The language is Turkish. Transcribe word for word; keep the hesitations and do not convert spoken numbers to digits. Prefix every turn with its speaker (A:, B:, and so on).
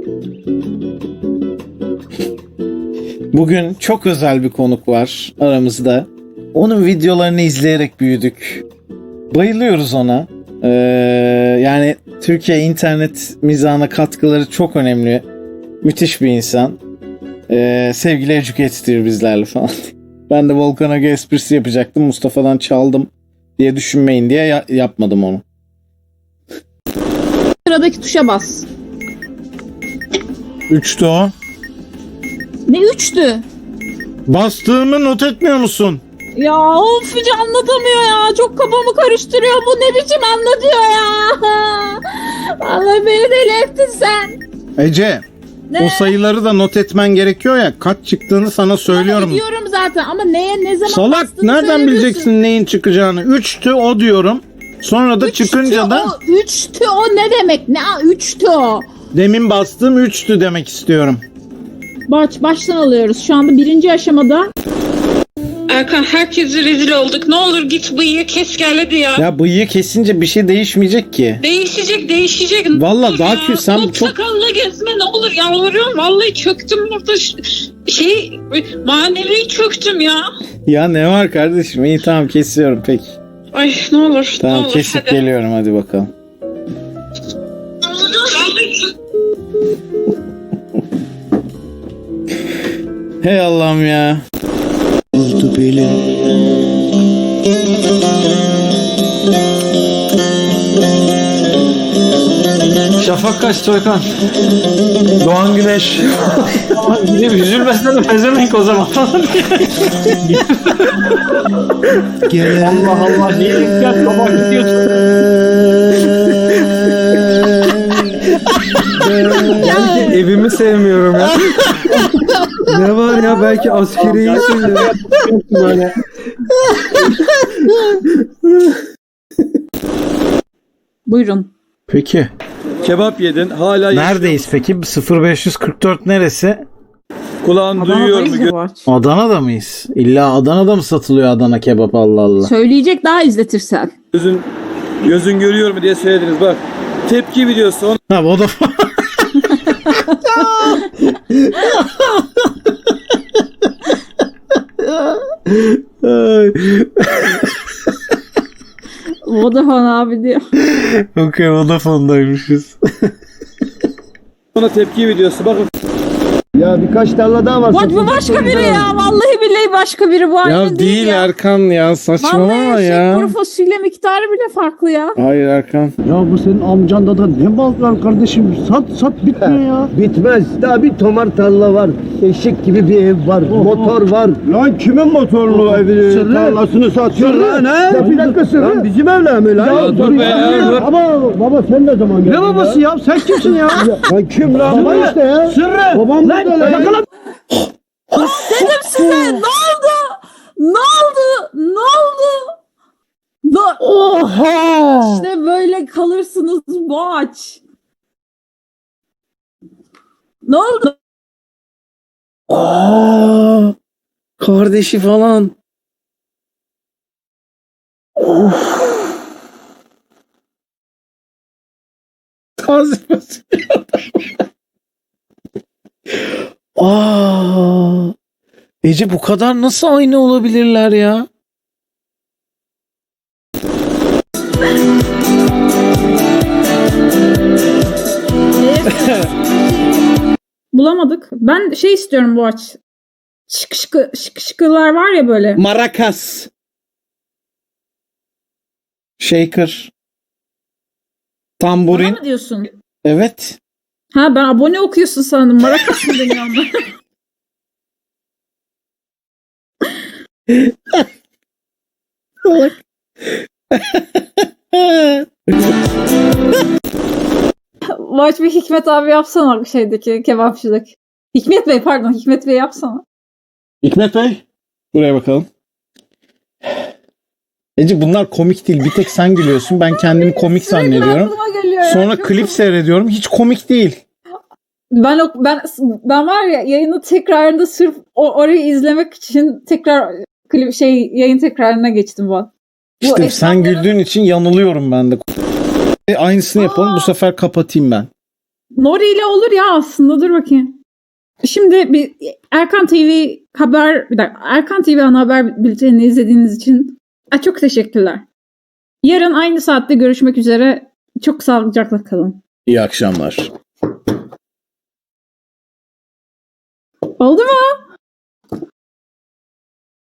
A: Bugün çok özel bir konuk var aramızda. Onun videolarını izleyerek büyüdük. Bayılıyoruz ona. Ee, yani Türkiye internet mizahına katkıları çok önemli. Müthiş bir insan. Ee, sevgili Educator bizlerle falan. Ben de Volkan Aga esprisi yapacaktım. Mustafa'dan çaldım diye düşünmeyin diye ya- yapmadım onu.
B: Sıradaki tuşa bas.
A: Üçtü o.
B: Ne üçtü?
A: Bastığımı not etmiyor musun?
B: Ya of hiç anlatamıyor ya. Çok kafamı karıştırıyor. Bu ne biçim anlatıyor ya. Vallahi beni deli ettin sen.
A: Ece,
B: Ne?
A: o sayıları da not etmen gerekiyor ya. Kaç çıktığını sana söylüyorum.
B: Ama ediyorum zaten ama neye ne zaman
A: Salak,
B: bastığını
A: nereden
B: söylemiyorsun.
A: bileceksin neyin çıkacağını? Üçtü o diyorum. Sonra da
B: Üçtü
A: çıkınca da
B: o, üçtü o ne demek? Ne a, üçtü o?
A: demin bastığım üçtü demek istiyorum.
B: Baş, baştan alıyoruz. Şu anda birinci aşamada.
C: Erkan herkese rezil olduk. Ne olur git bıyığı kes gel hadi ya.
A: Ya bıyığı kesince bir şey değişmeyecek ki.
C: Değişecek değişecek.
A: Vallahi
C: Ne
A: daha
C: olur ya.
A: kü- sen
C: Top
A: çok-
C: sakallı gezme ne olur yalvarıyorum. Vallahi çöktüm burada. Ş- Şey manevi çöktüm ya.
A: Ya ne var kardeşim? İyi tamam kesiyorum peki.
C: Ay ne olur.
A: Tamam
C: ne olur,
A: kesip
C: hadi.
A: geliyorum hadi bakalım. Hey Allah'ım ya.
D: Oldu belin.
E: Şafak kaç Soykan? Doğan Güneş. Gidip üzülmesene pezevenk o zaman.
D: Gel.
E: Allah Allah niye dikkat baba gidiyorsun?
D: Belki evimi sevmiyorum ya. Ne var ya belki askeriyi seviyorum.
E: Böyle.
B: Buyurun.
A: Peki.
D: Kebap yedin hala
A: Neredeyiz peki? sıfır beş kırk dört neresi?
D: kulağın duyuyor mu?
B: Adana'dayız ya bu aç.
A: Adana'da mıyız? İlla Adana'da mı satılıyor Adana kebap Allah Allah.
B: Söyleyecek daha izletirsen.
D: Gözün, gözün görüyor mu diye söylediniz bak. Tepki videosu onu
A: Ha o da
B: Vodafone abi diyor.
A: Okey Vodafone'daymışız.
D: ona tepki videosu bakın.
F: Ya birkaç tarla daha var.
B: Bak bu başka biri ya. Vallahi billahi başka biri bu aynı
A: Ya değil
B: ya.
A: Erkan ya saçmalama
B: Vallahi şey,
A: ya.
B: kuru fasulye miktarı bile farklı ya.
A: Hayır Erkan.
F: Ya bu senin amcanda da ne bal var kardeşim? Sat sat bitmiyor ya. Bitmez. Daha bir tomar tarla var. Eşek gibi bir ev var. Motor var. Lan kimin motorlu evi tarlasını satıyor lan ha? Ya bir dakika sırrı. Lan bizim evler mi lan?
D: Ya dur be ya, dur.
F: Baba, baba sen ne zaman geldin? Ne babası ya? Sen kimsin ya? Lan kim lan? Baba işte ya. Sırrı. Babam lan. Yakala.
B: Dedim size ne oldu? Ne oldu? Ne oldu? Ne?
F: Oha.
B: İşte böyle kalırsınız boğaç. Ne oldu?
A: Aa, kardeşi falan. Of. Taze fasulye. Aa. Ece bu kadar nasıl aynı olabilirler ya?
B: Bulamadık. Ben şey istiyorum boğaç. Şık şıkı, şık şıkılar var ya böyle.
A: Maracas. Shaker.
B: Bana
A: Tamburin.
B: mı diyorsun?
A: Evet.
B: Ha ben abone okuyorsun sandım. Marakas mı deniyor onlar? Boğaç bir Hikmet abi yapsana şeydeki kebapçıdaki. Hikmet Bey pardon Hikmet Bey yapsana.
A: Hikmet Bey. Buraya bakalım. Ece bunlar komik değil. Bir tek sen gülüyorsun. Ben kendimi komik
B: Sürekli
A: zannediyorum.
B: aklıma geliyor ya.
A: Sonra
B: Çok
A: klip
B: komik.
A: seyrediyorum. Hiç komik değil.
B: Ben o- ben ben var ya yayını tekrarında sırf o, orayı izlemek için tekrar klip şey yayın tekrarına geçtim ben. Bu
A: İşte
B: esnafların-
A: sen güldüğün için yanılıyorum ben de. E, Aynısını yapalım. Bu sefer kapatayım ben.
B: Nori ile olur ya aslında, dur bakayım. Şimdi bir Erkan T V haber, bir dakika, Erkan T V ana haber bültenini izlediğiniz için Aa, çok teşekkürler. Yarın aynı saatte görüşmek üzere. Çok sağlıcakla kalın.
A: İyi akşamlar.